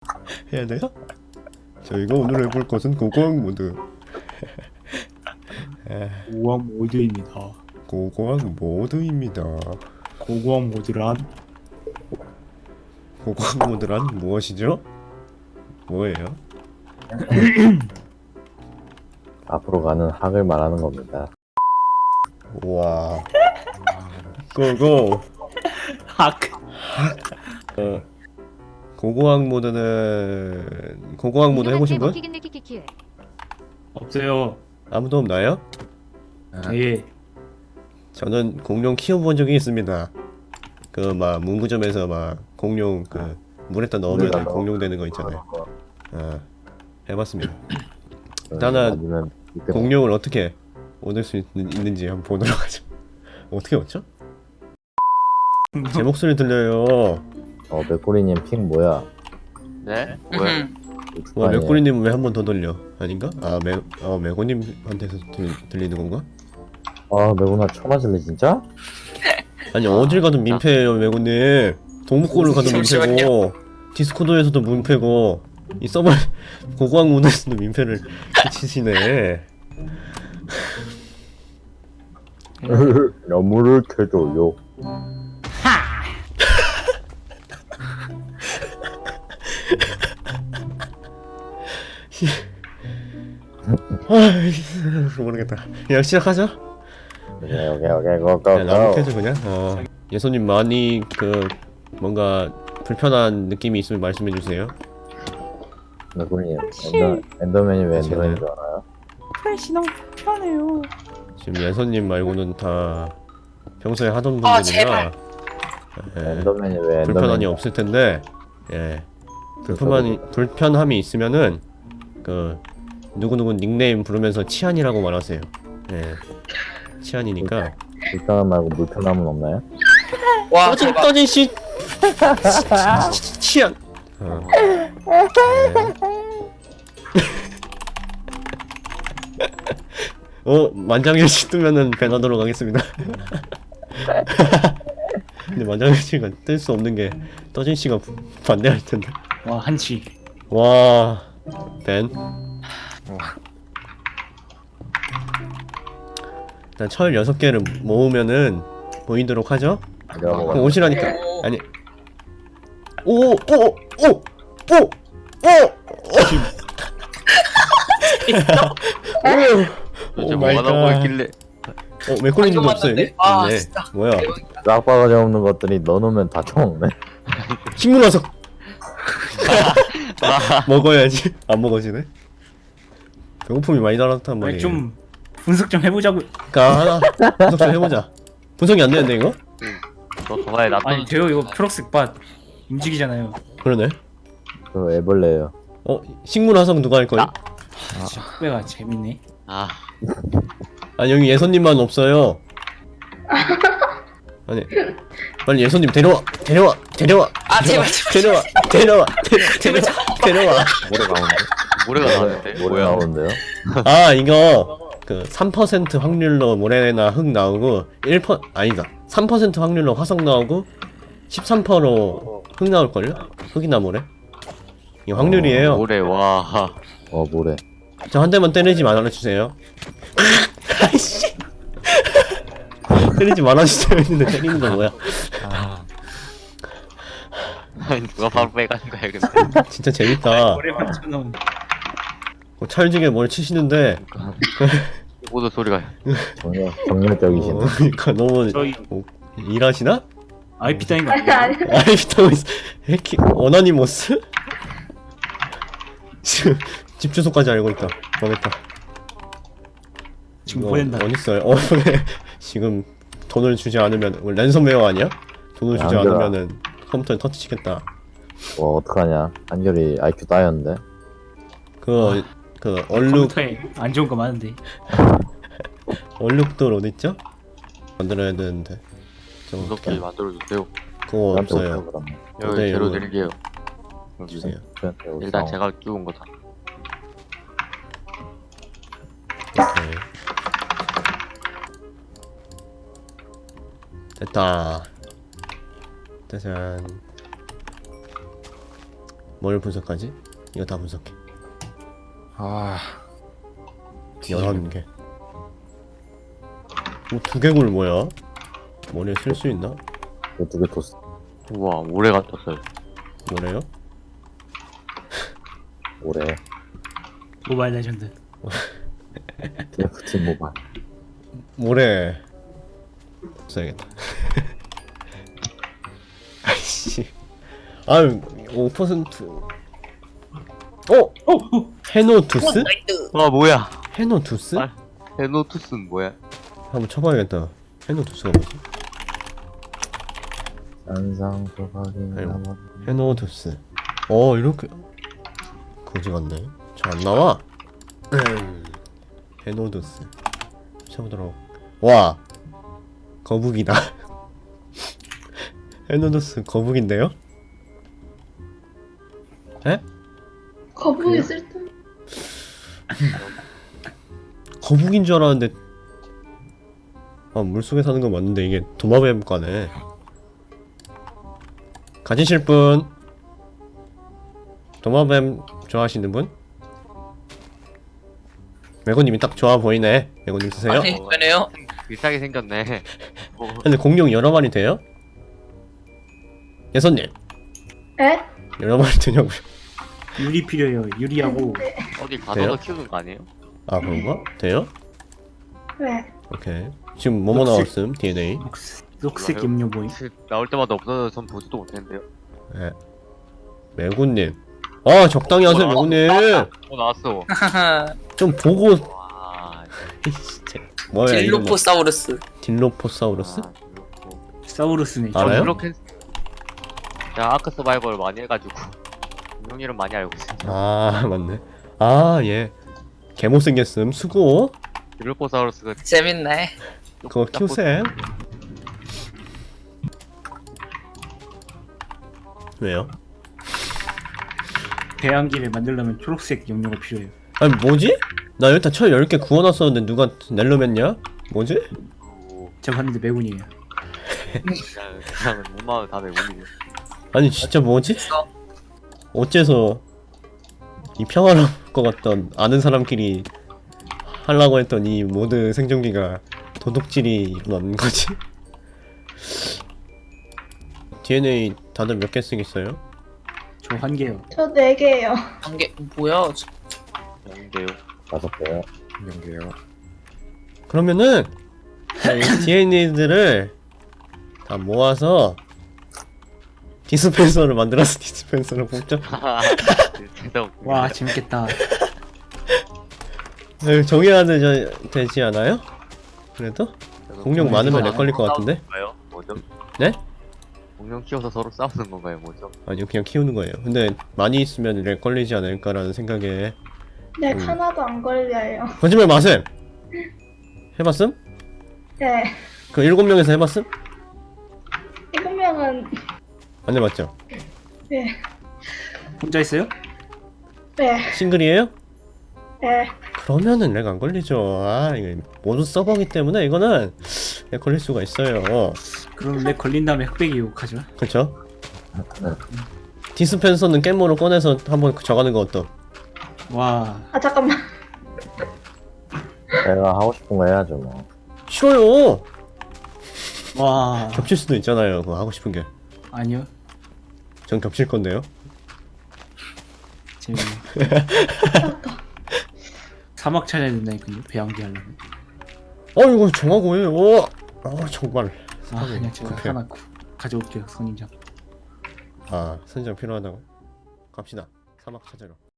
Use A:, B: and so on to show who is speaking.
A: 해야 돼요? 저희가 오늘 해볼 것은 고고학 모드.
B: 고고학 모드입니다.
A: 고고학 모드입니다.
B: 고고학 모드란
A: 고고학 모드란 무엇이죠? 뭐예요?
C: 앞으로 가는 학을 말하는 겁니다.
A: 와. 고고.
B: 학.
A: 고고학 모드는 고고학 모드 해보신 분?
B: 없어요.
A: 아무도 없나요?
B: 예.
A: 저는 공룡 키워본 적이 있습니다. 그 막 문구점에서 막 공룡 그 물에다 넣으면 공룡 되는 거 있잖아요. 해봤습니다. 일단은 공룡을 어떻게 얻을 수 있는지 한번 보도록 하죠. 어떻게 얻죠? 제 목소리 들려요.
C: 맥꼬리님 핑 뭐야?
D: 네? 왜?
A: 와, 맥꼬리님은 왜 한 번 더 돌려? 아닌가? 맥고님한테서 들리는 건가?
C: 아 맥구나 쳐맞을래 진짜?
A: 아니 어딜 가도 민폐예요 맥고님. 동물권을 가도 민폐고 디스코드에서도 민폐고 이 서버 고고학 모드에서도 민폐를 끼치시네.
C: 너무를 켜줘요.
A: 모르겠다. 그냥 시작하죠?
C: 오케이 고고.
A: 나무 캐죠 그냥. 예선님 많이 그 뭔가 불편한 느낌이 있으면 말씀해 주세요.
C: 맥꼬리님 엔더맨이 왜 엔더맨인 줄 알아요?
B: 플래시 너무 불편해요.
A: 지금 예선님 말고는 다 평소에 하던 분들이라
C: 엔더맨이 왜
A: 불편함이
C: 엔더맨이
A: 없을 텐데 불편함이 있으면은 그 누구누구 닉네임 부르면서 치안이라고 말하세요. 치안이니까.
C: 불편함 말고 물편함은 없나요?
D: 와,
A: 떠진 씨 치안. 만장일치 뜨면은 배나도록 하겠습니다. 근데 만장일치가 뜰 수 없는 게 떠진 씨가 반대할 텐데.
B: 와 한치.
A: 와, 벤. 일단 철 6개를 모으면은 보이도록 하죠? 그럼 오시라니까. 아니. 오!
D: 도대체 뭐가 나오고 있길래.
A: 맥콜리님도 없어요 여기?
D: 아,
A: 네.
D: 진짜.
A: 뭐야?
C: 싹바가지 없는 것들이 넣어놓으면 다 처먹네.
A: 식물 와서 먹어야지. 안 먹어지네. 배고픔이 많이 달았단
B: 아니,
A: 말이에요.
B: 좀 분석 좀 해보자고.
A: 그러니까 분석 좀 해보자. 분석이 안 되는데 이거?
D: 너 저번에
B: 아니
D: 놔뒀.
B: 돼요 이거 프록스 바 움직이잖아요.
A: 그러네.
C: 그 애벌레예요.
A: 식물 화성 누가 할 거예요?
B: 흑배가 재밌네.
D: 아,
A: 아니 여기 예선님만 없어요. 아니 빨리 예선님 데려와.
D: 아 제발.
A: 데려와.
C: 모래가 나오는데?
D: 모래가 나왔는데.
C: 모래
D: 뭐야?
C: 나오는데요?
A: 아 이거 그 3% 확률로 모래나 흙 나오고 3% 확률로 화성 나오고 13%로 흙 나올걸요? 흙이나 모래? 이게 확률이에요.
D: 모래 와.
C: 모래.
A: 저 한 대만 때리지 말아주세요. 아이씨. 때리지 말아주세요 했는데 때리는 거 뭐야?
D: 아니 누가 바로 빼가는 거야 근데.
A: 진짜 재밌다.
B: 오래만 쳐놓은.
A: 찰지게 뭘 치시는데
D: 모두 소리가.
C: 정열적이신.
A: 그러니까 너무
B: 저희
A: 일하시나?
B: IP 따인 거
E: 아니
B: 아니에요?
E: 아니
A: 아이비타고 있어. 어나니모스? 지금 집 주소까지 알고 있다. 망했다.
B: 지금
A: 이거
B: 보낸다.
A: 어딨어요? 네. 지금 돈을 주지 않으면 랜섬웨어 아니야? 돈을 주지
C: 안 되나?
A: 않으면은 컴퓨터에 터치치겠다.
C: 와 어떡하냐. 한결이 IQ 따였는데.
A: 그 얼룩
B: 컴퓨터에 안 좋은 거 많은데.
A: 얼룩돌 어딨죠? 만들어야 되는데 저거
D: 무섭게 만들어주세요.
A: 그거
C: 나한테
A: 없어요.
C: 어떡하, 그러면.
D: 여기
A: 네,
D: 재료
A: 이거.
D: 드릴게요.
A: 주세요.
C: 저한테 어떡하.
D: 일단 제가 끼운 거다.
A: 오케이. 됐다. 짜잔. 뭘 분석하지? 이거 다 분석해.
E: 아
A: 11개. 두개골 뭐야? 머리에 쓸 수 있나?
C: 이거 두개 토스.
D: 우와 모래가 떴어요.
A: 뭐래요?
C: 올해
B: 모바일 레전드.
C: TFT 모바일.
A: 모래 써야겠다. 아이씨. 아유 5%. 헤노투스?
D: 와 뭐야?
A: 헤노투스?
D: 아. 헤노투스는 뭐야?
A: 한번 쳐봐야겠다. 헤노투스가 뭐지?
C: 산상 조각이
A: 아이고.
C: 남아.
A: 헤노투스. 이렇게 거지 같네. 잘 안 나와. 헤노투스. 쳐보도록. 와, 거북이다. 헤노투스 거북인데요? 에?
F: 거북이 쓸데.
A: 거북인 줄 알았는데. 물속에 사는 건 맞는데 이게 도마뱀과네. 가지실 분? 도마뱀 좋아하시는 분? 매고님이 딱 좋아 보이네. 매고님 쓰세요?
G: 아니 왜네요?
D: 비싸게 생겼네. 뭐,
A: 근데 공룡 여러 마리 돼요? 예선님
F: 에?
A: 여러 마리 되냐고요?
B: 유리 필요해요. 유리하고
D: 어디
A: 돼요?
D: 가둬서 키우는 거 아니에요?
A: 아 그런가? 돼요?
F: 왜?
A: 오케이. 지금 뭐뭐
B: 녹색.
A: 나왔음? DNA.
B: 녹색 염료 모임.
D: 나올 때마다 없어서 전 보지도 못했는데요.
A: 네. 매고님. 적당히 하세요 매고님.
D: 나왔어.
A: 좀 보고.
D: 와.
A: 진짜. 뭐야 이거?
G: 딜로포사우루스.
A: 딜로포사우루스?
B: 사우루스네.
A: 알아요?
D: 이렇게 제가 아크 서바이벌 많이 해가지고 공룡 이름 많이 알고 있어요.
A: 맞네. 얘 개못생겼음. 수고.
D: 딜로포사우루스가
G: 재밌네.
A: 그거 키우셈. 왜요?
B: 배양기를 만들려면 초록색 염료가 필요해요.
A: 아니 뭐지? 나 일단 철 10개 구워놨었는데 누가 낼름했냐? 뭐지?
B: 제가 봤는데 매군이에요.
D: 그냥 엄마는 다 외국인이에요.
A: 아니 진짜 뭐지? 어째서 이 평화로울 것 같던 아는 사람끼리 하려고 했던 이 모드 생존기가 도둑질이 일어난 거지? DNA 다들 몇 개 쓰겠어요?
B: 저 한 개요.
F: 저 4개예요.
G: 한개 뭐야?
D: 영인데요.
C: 5개요.
E: 연계요.
A: 그러면은 이 DNA들을 다 모아서 디스펜서를 만들어서 디스펜서를 뽑자.
D: 진짜 웃기네.
B: 와 재밌겠다.
A: 정해야 되지 않아요? 그래도? 공룡 많으면 렉 걸릴 것 같은데?
D: 건가요? 뭐죠?
A: 네?
D: 공룡 키워서 서로 싸우는 건가요? 뭐죠?
A: 아니요 그냥 키우는 거예요. 근데 많이 있으면 렉 걸리지 않을까라는 생각에.
F: 네, 하나도 안 걸려요.
A: 거짓말 마셈! 해봤음?
F: 네.
A: 그 7명에서 해봤음?
F: 7명은
A: 안 해봤죠?
F: 네.
B: 혼자 있어요?
F: 네.
A: 싱글이에요?
F: 네.
A: 그러면은 렉 안 걸리죠. 이거 모두 서버기 때문에 이거는 렉 걸릴 수가 있어요.
B: 그럼 내 걸린 다음에 흑백이 욕하죠.
A: 그쵸? 디스펜서는 깻모로 꺼내서 한번 정하는 거 어떠?
B: 와
F: 아, 잠깐만.
C: 내가 하고 싶은 거 해야죠 뭐.
A: 싫어요!
B: 와.
A: 겹칠 수도 있잖아요. 그거 하고 싶은 게.
B: 아니요.
A: 전 겹칠 건데요.
B: 재밌네. 사막 찾아야 된다니까요. 배양기 하려면.
A: 이거 정하고 해. 정말.
B: 그냥 제가
A: 급해요.
B: 하나 가져올게요. 선인장.
A: 선장 필요하다고? 갑시다. 사막 찾으러.